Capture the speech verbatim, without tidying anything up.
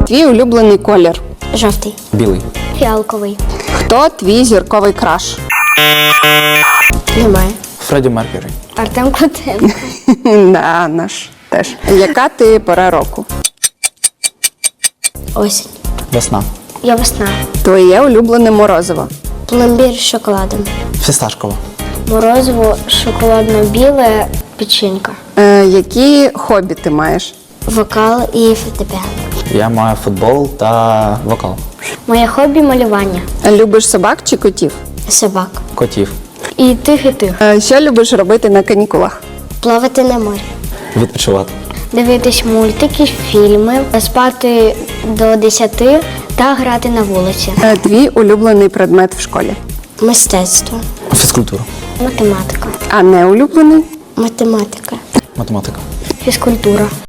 Твій улюблений колір. Жовтий. Білий. Фіалковий. Хто твій зірковий краш? Немає. Фредді Меркюрі. Артем Котенко. Да, наш теж. Яка ти пора року? Осінь. Весна. Я весна. Твоє улюблене морозиво. Пломбір з шоколадом. Фісташкова. Морозиво шоколадно-біле, печенька. Е, які хобі ти маєш? Вокал і фортепіано. Я маю футбол та вокал. Моє хобі – малювання. Любиш собак чи котів? Собак. Котів. І тих, і тих. Е, що любиш робити на канікулах? Плавати на морі. Відпочивати. Дивитись мультики, фільми, спати до десяти та грати на вулиці. Е, твій улюблений предмет в школі? Мистецтво. Фізкультура. Математика. А не улюблений? Математика. Математика. Фізкультура.